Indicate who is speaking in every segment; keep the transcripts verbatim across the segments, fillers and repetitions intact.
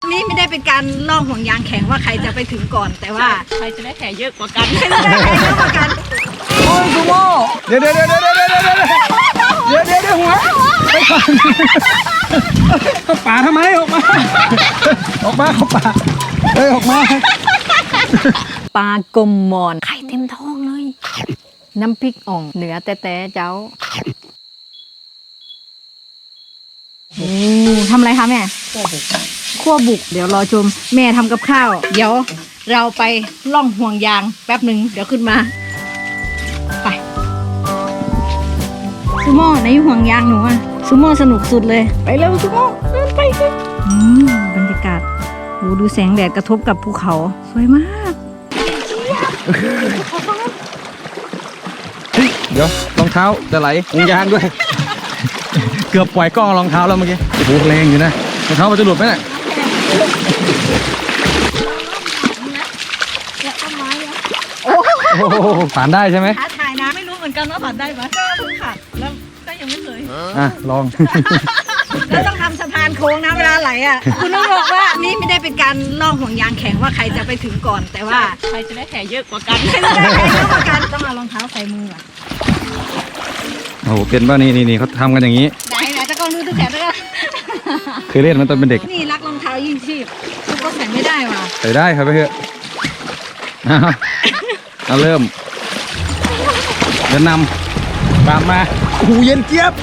Speaker 1: นี่ไม่ได้เป็นการล่องห่วงยางแข่งว่าใครจะไปถึงก่อนแต่ว่าใครจะได้แผลเยอะกว่ากันใครจะได้แผลเยอะกว่ากัน
Speaker 2: โอ้ยซูโม่เดี๋ยวเดี๋ยวเดี๋ยวเดี๋ยวเดี๋ยวเดี๋ยวเดี๋ยวเดี๋ยวเดี๋ยวหัวไปก่อนเข้าป่าทำไมออกมาออกมาเข้าป่าเฮ้ยออกมา
Speaker 1: ปลากลมมอนไข่เต็มท้องเลยน้ำพริกอ่องเหนือแต่แต่เจ้าโอ้ทำอะไรคะแม่คั่วบุกคั่วบุกเดี๋ยวรอชมแม่ทำกับข้าวเดี๋ยวเราไปล่องห่วงยางแป๊บหนึ่งเดี๋ยวขึ้นมาไปซูโม่ในห่วงยางหนูอะซูโม่สนุกสุดเลยไปเร็วซูโม่เดินไปกันอืมบรรยากาศโอ้ดูแสงแดดกระทบกับภูเขาสวยมาก
Speaker 2: เดี๋ยวรองเท้าจะไหลห่วงยางด้วยเกือบปล่อยกล้องรองเท้าแล้วเมื่อกี้โอ้โหแรงอยู่นะรองเท้ามันจะหลุดไหมเนี่ยโอ้โหผ่านได้ใช่ไหม
Speaker 1: ท้าทายนะไม่รู้เหมือนกันว่าผ่านได้ไหมก็เพิ่งขัดแล้วก็ยังไม่เคย
Speaker 2: อ่ะลอง
Speaker 1: แล้วต้องทำสะพานโค้งนะเวลาไหลอ่ะคุณต้องบอกว่านี่ไม่ได้เป็นการล่องห่วงยางแข่งว่าใครจะไปถึงก่อนแต่ว่าใครจะได้แผลเยอะกว่ากันใครจะได้แผลเยอะกว่ากันต้องเอารองเท้าใส่มืออ่ะ
Speaker 2: โอ้โหเป็นป่ะนี่นี่นี่เขาทำกันอย่างนี้
Speaker 1: ไหนไหนตะกอนดูตะแขนตะกอน
Speaker 2: เคยเล่นมันตอนเป็นเด็ก
Speaker 1: นี่รักรองเท้ายิ่งชีพคุณก็ใส่ไม่ได้ว่ะ
Speaker 2: ใส่ได้ครับไปเถอะเอาเริ่มเดินนำตามมาโอ้โหเย็นเจี๊ยบ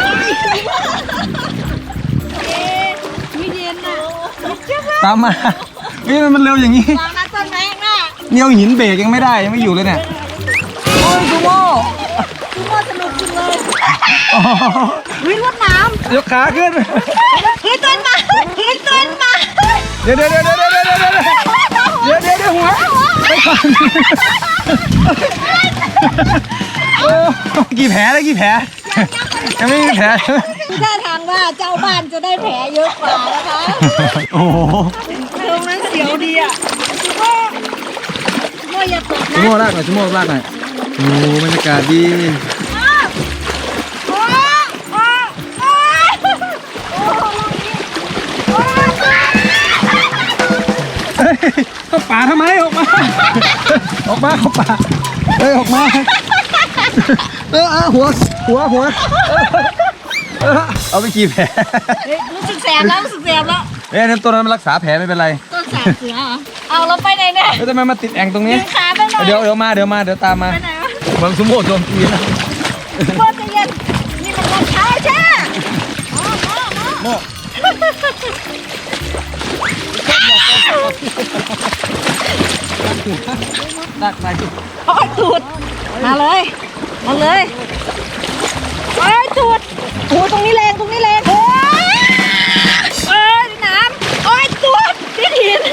Speaker 1: ไม่เย็นนะ
Speaker 2: ตามมานี่มันเร็วอย่างนี้
Speaker 1: วางนัดต้นไม้หน้า
Speaker 2: เนียวหินเบรกยังไม่ได้ยังไม่อยู่เลยเนี่ยโอ้ยซูโม่
Speaker 1: ซูโม่สนุกจังเลยวิ่งรถน้
Speaker 2: ำยกขาขึ้น
Speaker 1: เฮ้ยต้นมาเฮ้ยต้นมา
Speaker 2: เดี๋ยวเดี๋ยวเดี๋ยวเดี๋ยวเดี๋ยวเดี๋ยวเดี๋ยวเดี๋ยวเดี๋ยวเดี๋ยวหัวไปก่อนโอ้กี่แผลเลยกี่แผลยังไม่มีแผล
Speaker 1: ท่าทางว่าเจ้าบ้านจะได้แผลเยอะกว่านะคะ
Speaker 2: โอ้โห
Speaker 1: ตรงนั้นเสียวดีอ่ะซูโม่ซูโม่อย่าตกนะ
Speaker 2: ซูโม่ลากหน่อยซูโม่ลากหน่อยโอ้บรรยากาศดีเข้าป่าทำไมออกมาออกมาเข้าป่าเอ้ยออกมาเออหัวหัวหัวเอาไปกี่แผล
Speaker 1: รู้สึกแสบแล้วรู้สึกแสบแล้ว
Speaker 2: เอ้ยนั่นต้นนั้นมันรักษาแผลไม่เป็นไร
Speaker 1: ต้นสาบเสือเหรอเอาเราไปไหนเนี่ย
Speaker 2: แล้วทำไมมาติดแอ่งตรงนี้
Speaker 1: ขาไปหน่อย
Speaker 2: เดี๋ยวเดี๋ยวมาเดี๋ยวมาเดี๋ยวตามมา
Speaker 1: ไปไหนวะ
Speaker 2: เมืองสมโภชโจมตีนะ
Speaker 1: โคตรเย็นนี่มันรองเท้าใช่โม่
Speaker 2: ตักไป
Speaker 1: โอ้ยตูดมาเลยมาเลยโอ้ยตูดโอ้ยตรงนี้แรงตรงนี้แรงโอ้ยโอ้ยน้ำโอ้ยตูดที่หิน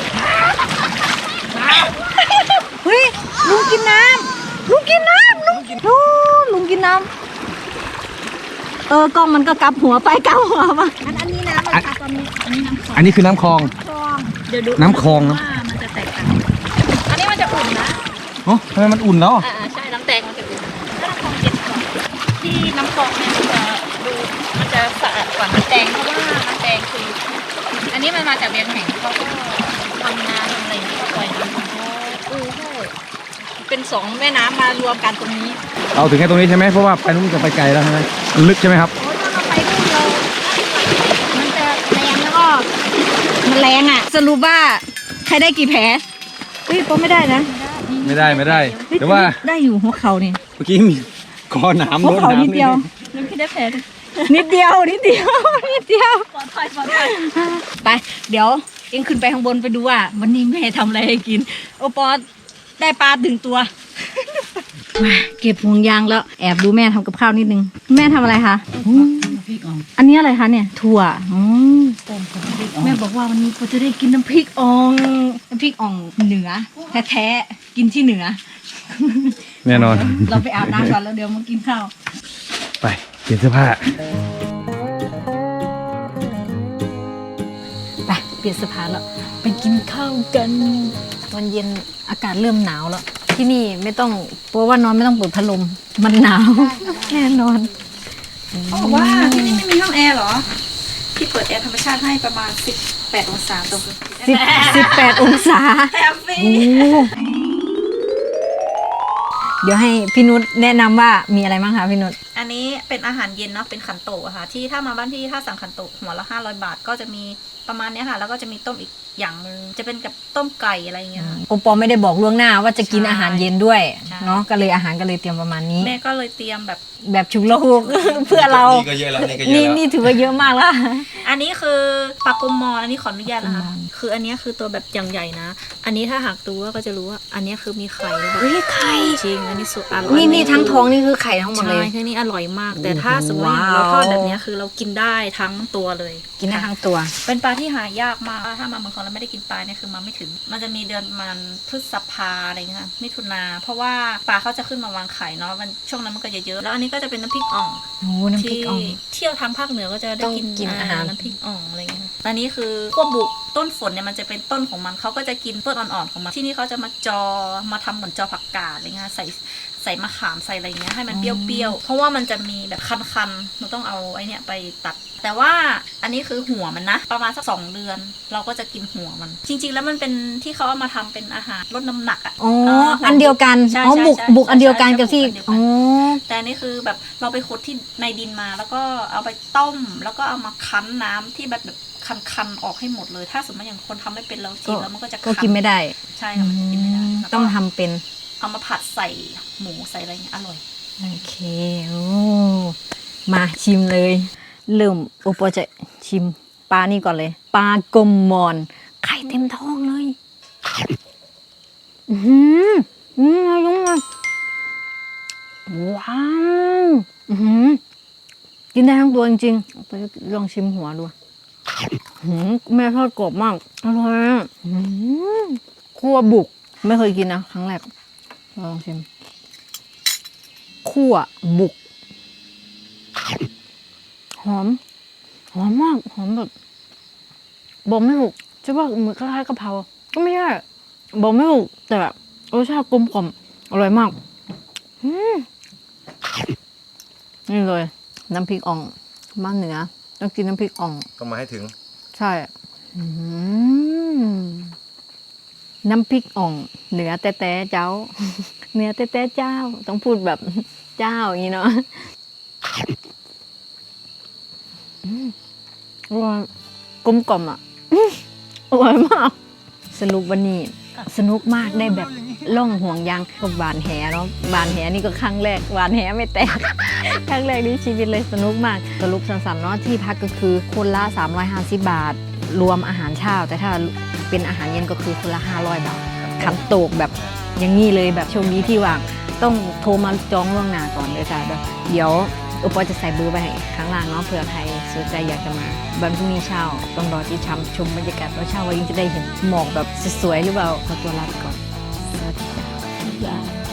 Speaker 1: เฮ้ยลุงกินน้ำลุงกินน้ำลุงกินลุงกินน้ำเออกล้องมันก็กลับหัวไปกลับหัวมาอันอันนี้น้ำอะไรคะตอนนี้อันนี้น้ำ
Speaker 2: อันนี้คือน้ำคลอง
Speaker 1: เดี๋ยวดู
Speaker 2: น้ำคลองนะ
Speaker 1: มันจะแตกต่างอันนี้มันจะอุ่นนะ
Speaker 2: โอ้ทำไมมันอุ่นแล้ว
Speaker 1: อ่าใช่น้ำแตงมันจะอุ่นแล้วน้ำคลองเย็นกว่าที่น้ำคลองเนี่ยมันจะดูมันจะสะอาดกว่าน้ำแตงเพราะว่าน้ำแตงคืออันนี้มันมาจากเวียงแห่งเขาก็ทำนาทำอะไรอย่างเงี้ยปล่อยน้ำของเขาโอ้โหเป็นสองแม่น้ำมารวมกันตรงนี้
Speaker 2: เอาถึงแค่ตรงนี้ใช่ไหมเพราะว่าไปนู้นจะไปไกลแล้วใช่ไหมลึกใช่ไหมครับ
Speaker 1: โอ้ยถ้าเราไปนู่นเรามันจะแรงแล้วก็มันแรงอ่ะสรุปว่าใครได้กี่แผลเฮ้ยก็ไม่ได้นะ
Speaker 2: ไม่ได้ไม่ได้แต่ว่า
Speaker 1: ได้อยู่หัวเข่านี่
Speaker 2: เมื่อกี้มีคอหนาม
Speaker 1: หัวเข่านิดเดียวยังไม่ได้แผลนิดเดียวนิดเดียวนิดเดียวปลอดภัยปลอดภัยไปเดี๋ยวเอ็งขึ้นไปข้างบนไปดูว่าวันนี้แม่ทำอะไรให้กินโอปอได้ปลาถึงตัวมาเก็บห่วงยางแล้วแอบดูแม่ทำกับข้าวนิดนึงแม่ทำอะไรคะอันนี้อะไรคะเนี่ยถั่วแม่บอกว่าวันนี้เราจะได้กินน้ำพริกอ่องน้ำพริกอ่องเหนือแท้ๆกินที่เหนือ
Speaker 2: แน่นอน
Speaker 1: เราไปอาบน้ำก่อนแล้วเดี๋ยวมากินข้าว
Speaker 2: ไปเปลี่ยนเสื้อผ้า
Speaker 1: ไปเปลี่ยนเสื้อผ้าแล้วไปกินข้าวกันตอนเย็นอากาศเริ่มหนาวแล้วที่นี่ไม่ต้องเพราะว่านอนไม่ต้องเปิดพัดลมมันหนาวแน่นอน
Speaker 3: เขาบอกว่าที่นี่ไม่มีห้องแอร์เหรอที่เปิดแอร์ธรรมชาติให้ประมาณสิบแปดองศาตรง
Speaker 1: สิบสิบแปดองศา
Speaker 3: แฮปปี้
Speaker 1: โอ้เดี๋ยวให้พี่นุชแนะนำว่ามีอะไรบ้างคะพี่นุช
Speaker 3: อันนี้เป็นอาหารเย็นเนาะเป็นขันโตะค่ะที่ถ้ามาบ้านพี่ถ้าสั่งขันโตะหัวละห้าร้อยบาทก็จะมีประมาณเนี้ยค่ะแล้วก็จะมีต้มอีกอย่างนึงจะเป็นกับต้มไก่อะไรอย่างเงี้ยค่ะ
Speaker 1: โอปอไม่ได้บอกล่วงหน้าว่าจะกิน
Speaker 3: ใช่
Speaker 1: อาหารเย็นด้วย
Speaker 3: ใช่
Speaker 1: เนาะก็เลยอาหารก็เลยเตรียมประมาณนี้
Speaker 3: แม่ก็เลยเตรียมแบบ
Speaker 1: แบบฉุกละหุก เพื่อเรา
Speaker 2: นี่ก็เยอะแล้วนี่ก็เย
Speaker 1: นี่
Speaker 2: อะแล้ว
Speaker 1: นี่ถือว่าเยอะมากแล้ว
Speaker 3: อันนี้คือปลากรมมอนอันนี้ขออนุญาตนะคะ
Speaker 1: ปลากรมมอน
Speaker 3: คืออันนี้คือตัวแบบอย่างใหญ่นะ อันนี้ถ้าหากดูก็จะรู้ว่าอันนี้คือมีไข่แบบ
Speaker 1: เฮ้ยไข่
Speaker 3: จริงอันนี้สุดอร่อย
Speaker 1: นี่นี่ทั้งท้องนี่คือไข่ทั้งหมด
Speaker 3: ใช่
Speaker 1: เลย
Speaker 3: ที่นี่อร่อยมาก แต่ถ้าสมมติว่าเราทอดแบบนี้คือเรากินได้ทั้งตัวเลย
Speaker 1: กินได้ทั้งตัว
Speaker 3: เป็นปลาที่หายากมากถ้ามาเมืองทองแล้วไม่ได้กินปลาเนี่ยคือมาไม่ถึง มันจะมีเดือนประมันพฤษภาอะไรเงี้ยค่ะมิถุนาเพราะว่าปลาเขาจะขึ้นมาวางไข่เนาะมันช่วงนั้นมันก็จะเยอะแล้วอันนี้ก็จะเป็นน้ำพริกอ่อง
Speaker 1: โอ้น้ำพริกอ่อง
Speaker 3: ที่เที่ยวทางภาคเหนือก็จะได้
Speaker 1: ต้อง
Speaker 3: กิน
Speaker 1: กินอาหาร
Speaker 3: น้ำพริกอ่องอะไรเงี้ยค่ะอันนี้คือขั้วบุกต้นฝนเนี่ยมันจะเป็นต้นของมันเขาก็จะกินต้นอ่อนๆของมันที่นี่เขาจะมาจอมาทำเหมือนจอผักกาดอะไรเงี้ยใส่ใส่มะขามใส่อะไรเงี้ยให้มันเปรี้ยวๆเพราะว่ามันจะมีแบบคันๆเราต้องเอาไอ้เนี่ยไปตัด แต่ว่าอันนี้คือหัวมันนะประมาณสักสองเดือน เราก็จะกินหัวมัน จริงๆแล้วมันเป็นที่เขาเอามาทำเป็นอาหารลดน้ำหนักอ่ะ
Speaker 1: อ๋อ
Speaker 3: เ
Speaker 1: อันเดียวกัน
Speaker 3: ใช่
Speaker 1: อ๋อ
Speaker 3: ใช่
Speaker 1: บุก
Speaker 3: ใช่
Speaker 1: บุกอันเดียวกันกับที่
Speaker 3: ใช่ใช่
Speaker 1: อ๋อ
Speaker 3: แต่อันนี้คือแบบเราไปขุดที่ในดินมาแล้วก็เอาไปต้ม แล้วก็เอามาคั้นน้ำที่แบบแบบคันๆออกให้หมดเลย ถ้าสมมติอย่างคนทำไม่เป็นแล้วกินแล้วมันก็จะ
Speaker 1: ก็กินไม่ได้
Speaker 3: ใช่ค่ะมันจะกินไม่ได้
Speaker 1: อืม
Speaker 3: แล้วก็
Speaker 1: ต้องทำเป็น
Speaker 3: เอามาผัดใส่หมูใส่อะไรเงี้ยอร่อย
Speaker 1: โอเค โอ้ มาชิมเลย เริ่มโอปอจะชิมปลานี่ก่อนเลย ปลากลมมอน ไข่เต็มท้องเลย อือหืออืมอายุงมาว้าว อือหือกินได้ทั้งตัวจริงๆไปลองชิมหัวดูหืมแม่ทอดกรอบมาก อร่อยอ่ะหืมคั่วบุก ไม่เคยกินนะ ครั้งแรก ลองชิม คั่วบุก หอม หอมมาก หอมแบบบอกไม่ถูกจะว่าเหมือนคล้ายๆกะเพราก็ไม่ใช่บอกไม่ถูกแต่แบบรสชาติกลมกล่อมอร่อยมากอืมนี่เลย น้ำพริกอ่องบ้านเหนือต้องกินน้ำพริกอ่อง
Speaker 2: ต้องมาให้ถึง
Speaker 1: ใช่อืมน้ำพริกอ่องเหนือแต่แต่เจ้า เหนือแต่แต่เจ้า ต้องพูดแบบเจ้าอย่างนี้เนาะอืมอร่อยกลมกล่อมอ่ะอืมอร่อยมาก สรุปวันนี้สนุกมากได้แบบล่องห่วงยางกับบานแหเนาะบานแหนี่ก็ครั้งแรกบานแหไม่แตก ครั้งแรกในชีวิตเลยสนุกมากสรุปสั้นๆเนาะที่พักก็คือคนละสามร้อยห้าสิบบาท รวมอาหารเช้าแต่ถ้าเป็นอาหารเย็นก็คือคนละห้าร้อยบาทขันโตกแบบอย่างนี้เลยแบบโชคดีที่ว่างต้องโทรมาจองล่วงหน้าก่อนเลยจ้ะเดี๋ยวอุปอจะใส่เบอร์ไปให้ข้างล่างเนาะเผื่อใครสนใจอยากจะมาวันพรุ่งนี้เช้าต้องรอที่ชมชมบรรยากาศตอนเช้าว่ายิ่งจะได้เห็นหมอกแบบสวยๆหรือเปล่าขอตัวลาไปก่อนสวัสดีจ้ะ